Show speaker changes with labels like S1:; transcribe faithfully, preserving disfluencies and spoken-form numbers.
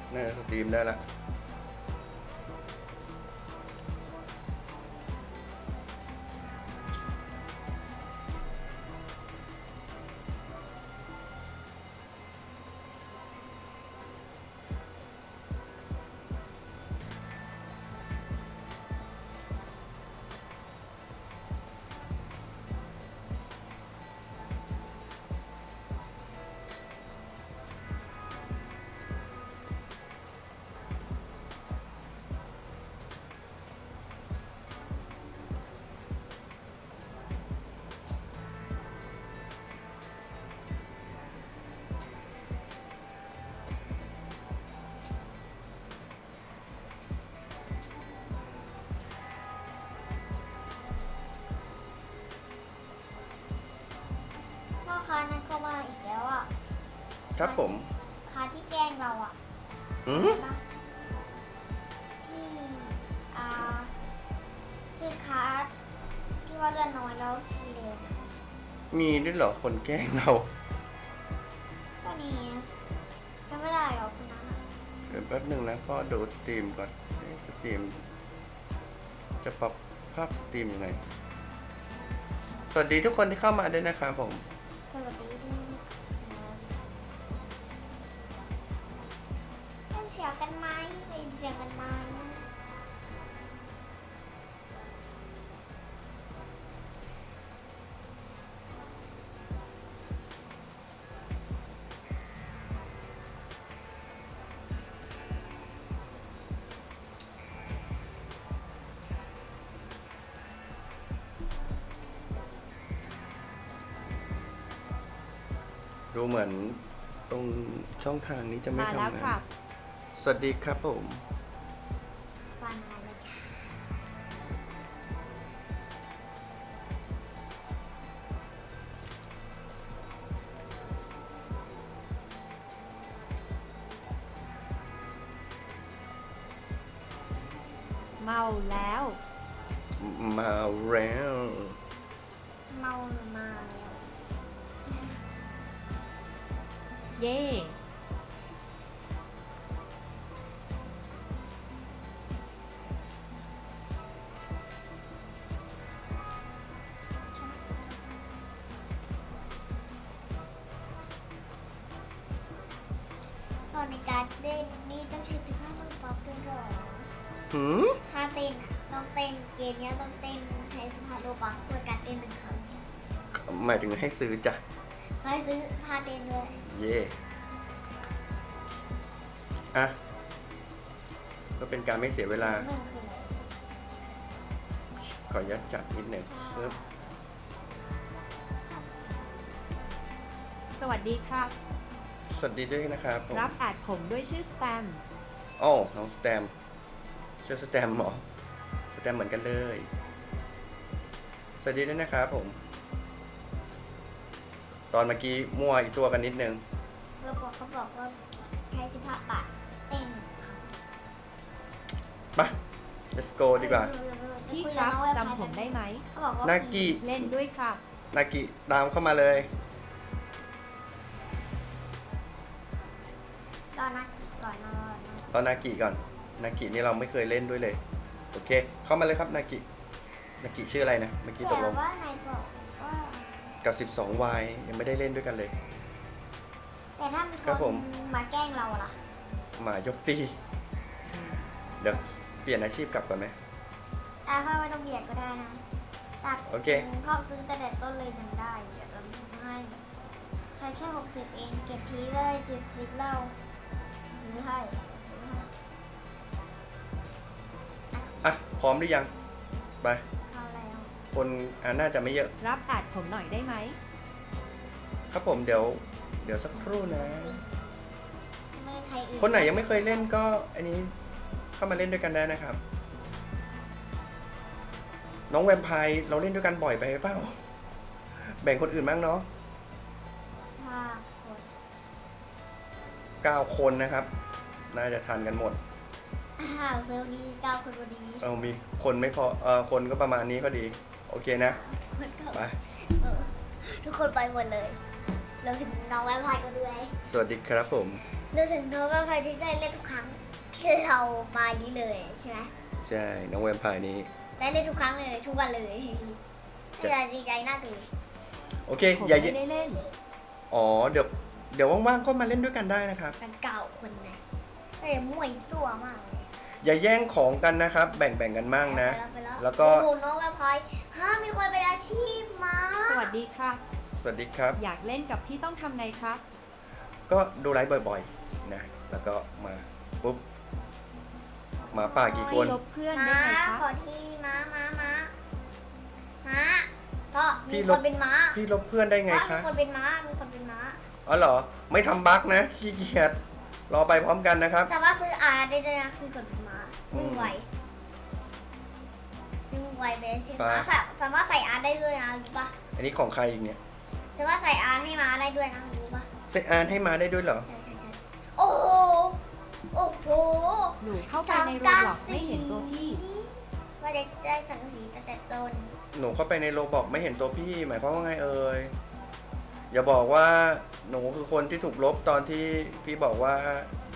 S1: น่าจะสตรีมได้ละ
S2: พ่อค้านั้นก็มาอีกแล้วอ่ะ
S1: ครับผม
S2: ค้าที่แกล้งเราอ่ะ
S1: อืม
S2: นะที่อ่าชื่อค้าที่ว่าเลือดน้อยแล้วทีเร็ว
S1: มีด้วยเหรอคนแกล้งเรา
S2: ก็นี่จำไม่ได้หรอกคนนั้นอะ
S1: เดี๋ยวแป๊บหนึ่งนะพ่อดูสตรีมก่อนเอ๊ะสตรีมจะปรับภาพสตรีมยังไง สวัสดีทุกคนที่เข้ามาด้วยนะครับผม
S2: สวัสดีที่เป็นเสียงกันไหมเป็นเสียงกันไหม
S1: ดูเหมือนตรงช่องทางนี้จะไม่
S3: มาแล้ว
S1: ทำ
S3: ครั
S1: งาน
S3: บ
S1: สวัสดีครับผม
S2: ฟังอะไรเลยจ้ะ
S3: เมาแล้ว
S1: มาแล้ว
S2: เมาหรือมาแล้ว
S3: เย่
S2: ตอนในการเต้นนี่ต้องใช้สิบห้ามือป๊อปด้วยเหรอ
S1: หืม
S2: ถ้าเต้นอะต้องเต้นเกมเนี้ยต้องเต้นใช้สิบห้าโลบัคเพื่อการเต้นหนึ่งครั้ง
S1: หมายถึงให้ซื้อจ้ะ
S2: ใครซื้อท่าเต้นด้วย
S1: เย่อะก็เป็นการไม่เสียเวลา
S2: หนึ่งคืออะไร
S1: ขออนุญาตจัดนิดหนึ่งซึบ
S3: สวัสดีครับ
S1: สวัสดีด้วยนะครับผม
S3: รับแอดผมด้วยชื่อสแตม
S1: โอ้น้องสแตมชื่อสแตมเหรอสแตมเหมือนกันเลย สวัสดีด้วยนะครับผม ตอนเมื่อกี้มั่วอีกตัวกันนิดนึง
S2: เราบอกเขาบอกว่าใช้สิบห้าบาทเต้นหนึ่งครั้ง
S1: ไป let's go ดีกว่า
S3: พี่ครับจำผมได้ไหม
S2: เขาบอกว่า
S1: นากิ
S3: เล่นด้วยครับ
S1: นากิตามเข้ามาเลย
S2: ตอนนากิก่อนนอน
S1: ตอนนากิก่อน นากินี่เราไม่เคยเล่นด้วยเลย โอเค เข้ามาเลยครับนากิ นากิชื่ออะไรนะ เมื่อกี้ต
S2: แต่
S1: กลง
S2: ว่านายบอกว่า
S1: กับ สิบสอง วาย ยังไม่ได้เล่นด้วยกันเลย
S2: แต่ถ้ามี
S1: ครับ
S2: ค
S1: ผ
S2: น
S1: ม
S2: มาแกล้งเราล่ะ
S1: หมายกตี เดี๋ยวเปลี่ยนอาชีพกลับก่อนไหม
S2: แต่ถ้าไม่ต้องเบียดก็ได้นะตัด
S1: โอเค
S2: เขาซื้อแต่เด็ดต้นเลยยังได้เดี๋ยวเราให้ใครแค่หกสิบเองเก็บทีก็ได้เจ็ดสิบแล้วซื้อให้ซื้อให้
S1: อ่ะ พร้อมหรือยัง ไป
S2: เอาแล้ว
S1: คนอ่าน่าจะไม่เยอะ
S3: รับแอดผมหน่อยได้ไหม
S1: ครับผมเดี๋ยว เดี๋ยวสักครู่นะ
S2: ไม่ใครอื่น
S1: คนไหนยังไม่เคยเล่นก็อันนี้เข้ามาเล่นด้วยกันได้นะครับ น้องแวมไพร์เราเล่นด้วยกันบ่อยไปหรือเปล่า แบ่งคนอื่นบ้างเนาะ
S2: ห้าคน
S1: เก้าคนนะครับ น่าจะทันกันหมด
S2: อ้าวเซิร์ฟนี้มีเก้าคนพอดี
S1: เอามีคนไม่พอเออคนก็ประมาณนี้ก็ดี โอเคนะ
S2: มันก็
S1: ไป
S2: เออทุกคนไปหมดเลยรวมถึงน้องแวมไพร์ก็ด้วย
S1: สวัสดีครับผม
S2: สดูถึงโน้ตว่าใครที่ได้เล่นทุกครั้งที่เรามานี้เลยใช่ไหม
S1: ใช่น้องแวมไพร์นี้
S2: ได้เล่นทุกครั้งเลยทุกวันเลยจะดีใจน่าดู
S1: โอเค
S3: ผม
S1: อย่า
S3: ไม่ได้เล่น
S1: อ๋อเดี๋ยวเดี๋ยวว่างๆก็มาเล่นด้วยกันได้นะครับ
S2: กันเก่าคนไหนแต่มั่วซั่วมากเลย
S1: อย่าแย่งของกันนะครับ แบ่งแบ่งกันมั่งนะ
S2: ไปแล้ว
S1: แล้วก็
S2: โอ้โหน้องแวมไพร์ฮะมีคนเป็นอาชีพมา
S3: สวัสดีครับ
S1: สวัสดีครับ
S3: อยากเล่นกับพี่ต้องทำไงครับ
S1: ก็ดูไลฟ์บ่อยๆนะแล้วก็มาปุ๊บหมาป่ากี่คน
S3: ลบเพื่อนได้
S2: ม้า
S3: ไหมครั
S2: ขอบ ทีม้าม้าม้าม้าก็มี
S1: พี่
S2: ค
S1: ล
S2: น
S1: บ
S2: เป็นม้า
S1: พี่ลบเพื่อนได้ไง
S2: ว่ามี
S1: คะ
S2: คนเป็นม้ามีคนเป็นม้า
S1: อ๋อเหรอไม่ทำบั๊กนะขี้เกียจรอไปพร้อมกันนะครับ
S2: แต่ว่าซื้ออาร์ได้ด้วยนะมีคนเป็นม้า
S1: อืม
S2: วิ่งไววิ่งไวเบสิ
S1: ไป
S2: ม้าสาสามารถใส่อาร์ได้ด้วยนะรู้ปะ
S1: อันนี้ของใครอีกเนี่ย
S2: สามารถใส่อาร์ให้ม้าได้ด้วยนะรู้ปะ
S1: เซตอาร์ให้มาได้ด้วยเหรอ
S2: ใช่ใช่ใช่โอ้โหโอ้โห
S3: หนูเข้าไปในโรบล็อกไม่เห็นตัวพี่
S2: ว่าเด็กได้สังกะสีตั้งแต่ต้น
S1: หนูเข้าไปในโรบอกไม่เห็นตัวพี่หมายความว่าไงเอ่ยอย่าบอกว่าหนูคือคนที่ถูกลบตอนที่พี่บอกว่า